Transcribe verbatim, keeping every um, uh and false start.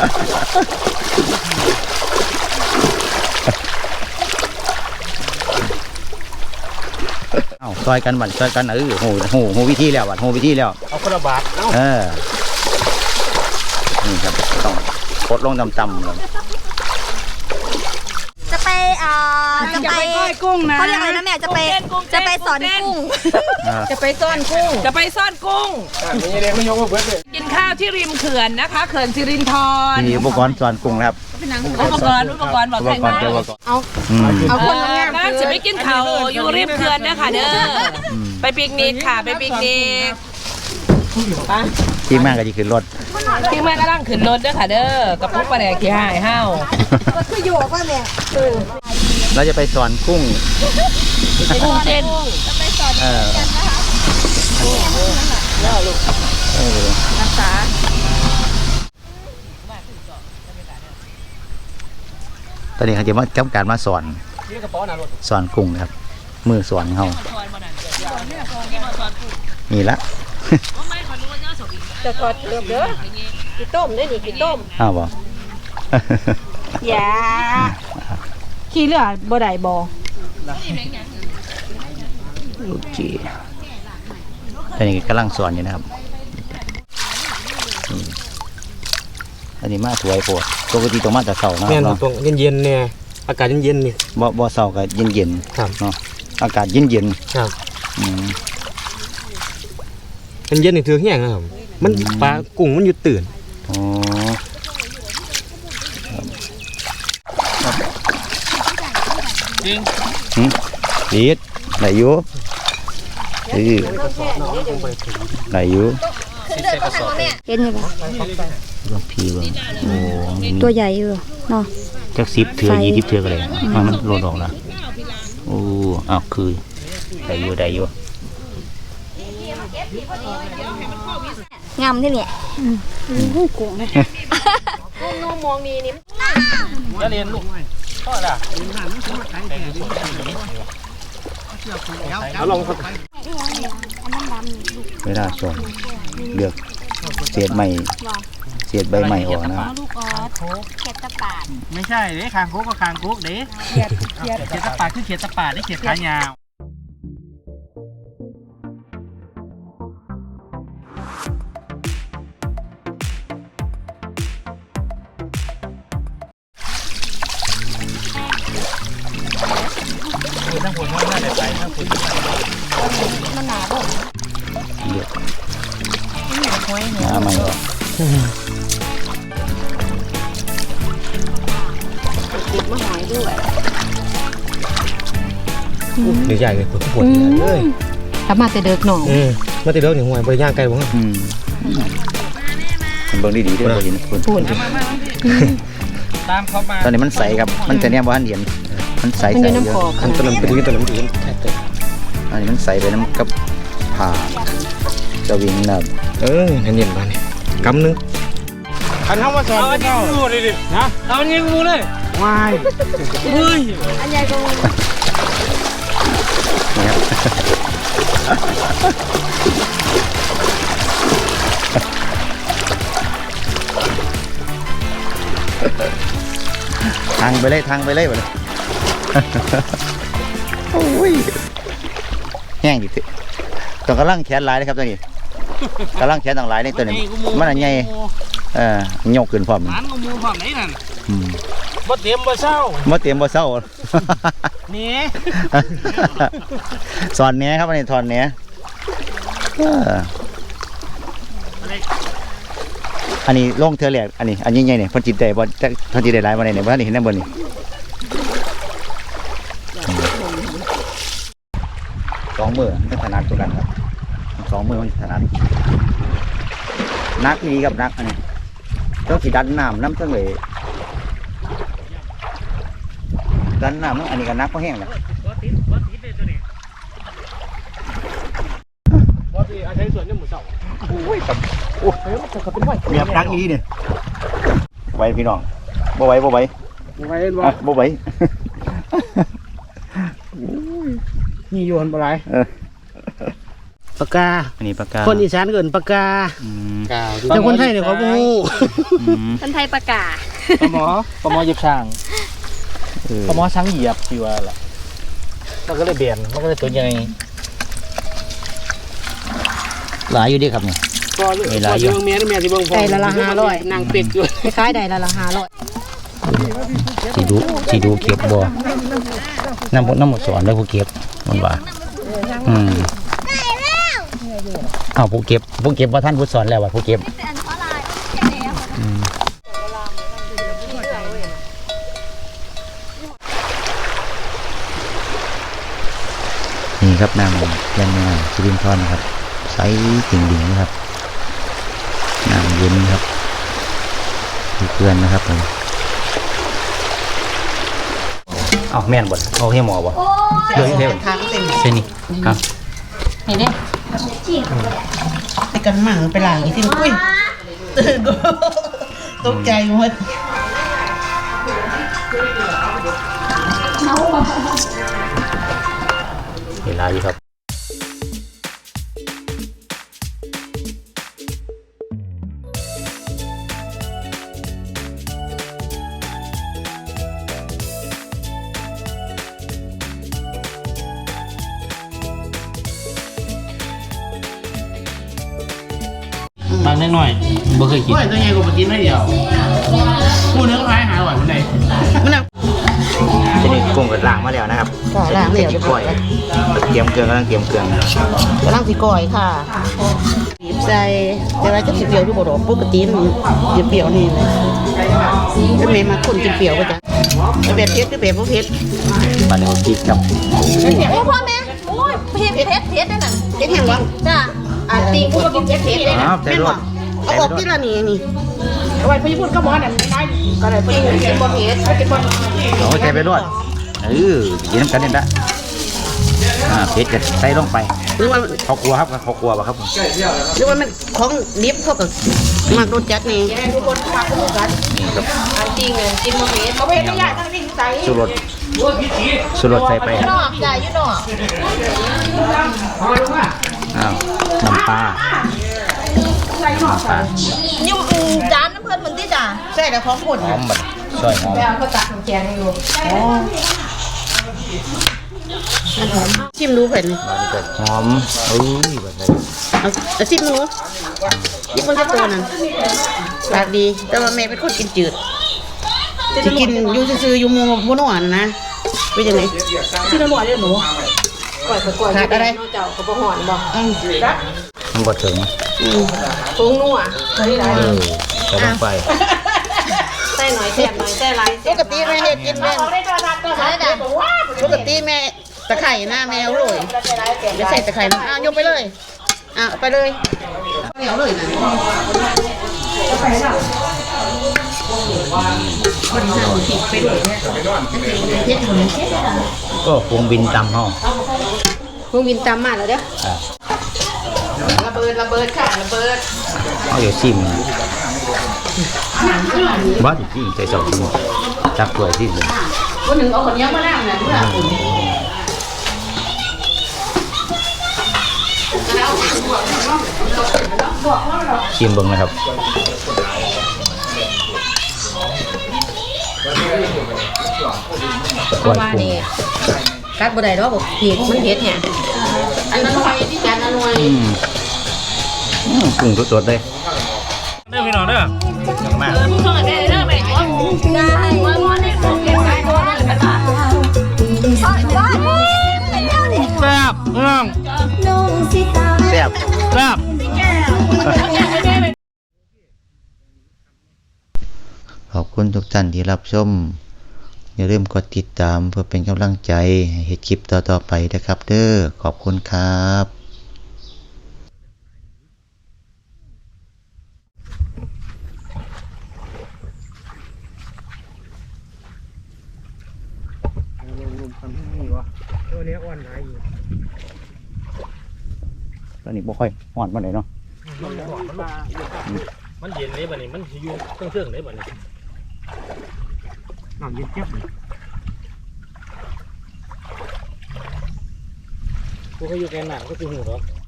เอาซอยกันบัดซอยกันเออโหโหโหวิธีแล้วบัดโหวิธีแล้วเอาคนละบาทเออนี่ครับต้องกดลงต่ำๆเลยจะไปอ่าจะไปก้อยกุ้งนะเขาเรียกอะไรนะแม่จะไปจะไปสอนกุ้งจะไปซ่อนกุ้งจะไปซ่อนกุ้งกินข้าวที่ริมเขื่อนนะคะเขื่อนสิรินธรมีอุปกรณ์สอนกุ้งครับอุปกรณ์อุปกรณ์บอกใครมาเอาเอาคนงานน่าจะไปกินข้าวอยู่ริมเขื่อนนะคะเด้อไปปิกนิกค่ะไปปิกนิกที่แม่ก็จะขึ้นรถที่แม่ก็นั่งขึ้นรถเด้อค่ะเด้อกระปุกปลาแดกขี้หายห้าวคืออยู่ว่าแม่เราจะไปสอนกุ้งกุ้งเต้นจะไปสอนกันนะคะรักษาตอนนี้เขาจะมาจับการมาสอนสอนกุ้งครับมือสอนเขานี่ละจะทอดเกลือเด้อกี่ต้มได้ดิกี่ต้มอ้าวบ่อย่าขี้เลือดบ่ได้บ่โอเคตอนนี้กำลังสอนอยู่นะครับอันนี้มาถวยโปรดปกติต้องมาแต่เสาร์นะแม่นตรงเย็นๆเนี่ยอากาศเย็นๆนี่บ่บ่เสาร์ก็เย็นๆครับเนาะอากาศเย็นๆครับอืมมันเย็นนี่ถือแห้งนะครับมันปลากุ้งมันอยู่ตื่นอ๋อจริงหืมดีดไหนอยู่เออไหนอยู่เห็นไหมปะว่าพีว่าโอ้ตัวใหญ่อยู่เนาะจักสิบเถื่อยี่สิบเถื่อกันเลยมันโหลดออกแล้วโอ้อ้าวคือได้อยู่ได้อยู่งามที่เนี่ยกุ้งเลยกุ้งนูมองนี่นี่จะเรียนลูกพ่อละเอาลองครับเวลาสอนเลือกเศษใหม่เศษใบใหม่ออกนะลูกออสเขียดตะปาดไม่ใช่เด้คางคุกก็คางคุกเด้เขียดเขียดเขียดตะปาดคือเขียดตะปาดได้เขียดขายาวนั่งหัวน้อยน่าจะไปนั่งหัวมันหนาบ่เลือกหนาใหม่ออกติดมะหอยด้วยเดี๋ยวใหญ่เลยปวดปวดเลยถ้ามาแต่เด็กหน่องมาแต่เด็กหนึ่งหัวบริย่างไกลบ้างอืมเบิ่งดีๆด้วยบ่เห็นคุณพูดตามเขามาตอนนี้มันใสครับมันแต่เนี่ยบ้านเห็นมันใสใสเยอะมันตัวน้ำไปถึงตัวน้ำถึงอันนี้มันใสไปน้ำกับผ่าจะวิ่งน้ำเออเห็นเย็นบ้านนี่กำนึงอันทำมาสอนเอาอันนี้กูเลยดินะเอาอันนี้กูเลยวายเฮ้ยอันใหญ่กูนี่ครับทางไปเลยทางไปเลยไปเลยโอ้ยแห้งดิต้องกำลังแขนลายเลยครับตัวนี้กำลังแขนต่างหลายในตัวนี้มันอะไรเออยกขึ้นพร้อมหานงูพร้อมไหนนั่นบ่เตรียมบ่เศร้าบ่เตรียมบ่เศร้านี่สอนเนี้ยครับอันนี้ถอนเนี้ยอันนี้ล่องเธอแหลกอันนี้อันยิ่งใหญ่เนี่ยพันจิตใจบอลพันจิตใจหลายวันไหนเนี่ยวันนี้เห็นนั่นบนนี่สองมือไม่ถนัดตัวกันครับสองมือมันถนัดนักนี้กับนักอันนี้ต้องขีดันน้ำน้ำเท่าไหร่ดันน้ำอันนี้กับนักก็แห้งแล้วใช้ส่วนนี้หมูเสาโอ้ยกับโอ้ยเมียนักนี้เนี่ยไหวพี่น้องบ่ไหวบ่ไหวบ่ไหวบ่บ่ไหวนี่โยนบ่ไรปากกาอันนี้ปากกาคนอีสานเกินปากกาอืมแต่คนไทยเนี่ยเขาบ่ฮู้อืมคนไทยประกาศปลาหมอปลาหมอเหยียบช่างเออปลาหมอช้างเหยียบสิว่าล่ะมันก็เลยเบี่ยนมันก็เลยตัวใหญ่หลายอยู่เดีครับเนี่ยก็เลยเวลาอยู่เมียเมียสิเบิ่งพ่อได้ละละห้าร้อยนางเป็ดอยู่คล้ายๆได้ละละห้าร้อยสีดูสีดูเก็บบ่น้ำน้ำหมดสอนแล้วผู้เก็บมันว่าอืมอ้าวผู้เก็บผู้เก็บว่าท่านผู้สอนแล้วว่าผู้เก็บอืมนี่ครับน้ำยันน้ำสิรินทรนะครับใสติ่งดิ่งนะครับน้ำเย็นครับมีเพื่อนนะครับผมเอาแม่นบ่เอาให้หมอบ่เดี๋ยวเดี๋ยวเส้นนี้ครับนี่ดิไปกันหมั่งไปหลางอีกทีอุ้ยตกใจหมดเวลาอยู่ครับบางนิดหน่อยบ่เคยกินโอ้ยตัวใหญ่กว่าปกติไม่เดียวพูดเนื้อคล้ายหาหวานมันไหนมันน่ะทีนี้กุ้งก็ล้างมาแล้วนะครับค่ะล้างแล้วเรียบร้ก้ออย ยเตรียมเครื่องกำลังเตรียมเครื่องกำลังสิก่อยค่ะบีบใส่แต่ว่าจะสิเปรี้ยวอยู่บ่ดอกปกติมันสิเปรี้ยวนี่เลยถ้าแม่มาคนกินเปรี้ยวก็จะเอาแบบเผ็ดหรือแบบบ่เผ็ดมาในพริกครับโอ้พ่อแม่โอ้ยเผ็ดเผ็ดเผ็ดได้นั่นเผ็ดแห้งบ่จ้าอ่ะตีกูก็กินเผ็ดเผ็ดได้อ๋นะอใส่แม่นรบ่สเอาออกที่ละนี่นี่เอาไว้พี่พูดก็บ่นั่นได้ก็ได้พี่กินบ่เผ็ดกินบ่โอ้ใส่ไปรสเออกินน้ำกันนี่ละอ่าเผ็ดจะใส่ลงไปหรือว่าเขากลัวครับเขากลัวป่ะครับผมหรือว่ามันของดิบเขาก็มักรสจัดนี่นี่ครับอันจริงเลยกินมาเผ็ดเอาไปได้ยากทั้งนี้ใส่สุรสสุรสใส่ไปอยู่นอกจ้าอยู่นอกอ้าวน้ำปลาน้ำปลาอยู่จานน้ำเพิ่นเหมือนที่จ้าใส่แล้วของคนหอมบัดซอยหอมเขาตักน้ำแกงอยู่ชิมดูเพิ่นบานก็หอมเอ้ยแบบนี้เอาเอาชิมดูนี่มันจะตัวนั่นปากดี แต่ว่าแม่เป็นคนกินจืดสิกินอยู่ซื่อๆอยู่หมู่บ่นอนนะเป็นจังได๋ชื่อละหน่อยเด้อหนูก่อยก็ก่อยขาดอะไรเจ้าก็บ่หอนบ่อืมมันบ่ถึงอืมปรุงนัวใส่หลายเออใส่ลงไปใส่หน่อยแซ่บหน่อยใส่หลายปกติแม่เฮ็ดกินแม่ใส่จ้ะปกติแม่ตะไคร่หน้าแมวเลยไม่ใส่ตะไคร่มันอ่ะยกไปเลยอ่ะไปเลยแมวเลยนะไปด้วยเฮ็ดคนเฮ็ดก็ปรุงบินตำห้องพวกวินตามมาแล้วเด้อระเบิดระเบิดค่ะระเบิดเอาอยู่ซิมบ้าจริงใจสองซิมจับตัวซิมเลยคนหนึ่งเอาคนนี้มานั่งน่ะเพื่อคุณซิมเบิ้งนะครับเพราะว่านี่กัดบ่ได้ดอกบ่เผ็ดมันเผ็ดแฮะอันนั้นหน่วยที่จานนั้นหน่วยอืมอืมปรุงสดๆเลยเด้อพี่น้องเด้ออย่างมากมึงส่งให้แม่เด้อแม่ได้ว่าว่านี่ของเก็บไว้ตัวนึงเป็นบาทสอนว่าเป็นเรื่องนี้แซ่บพี่น้องแซ่บแซ่บขอบคุณทุกท่านที่รับชมอย่าลืมกดติดตามเพื่อเป็นกำลังใจให้เฮ็ดคลิปต่อๆไปนะครับเด้อขอบคุณครับตอนนี้บ่ค่อยฮ้อนปานใดเนาะมันเย็นเลยบัดนี้มันสิอยู่เครื่องๆเลยบัดนี้น้ำเย็นเจี๊ยบกูก็อยู่แกนหนังก็คือหูเหรอ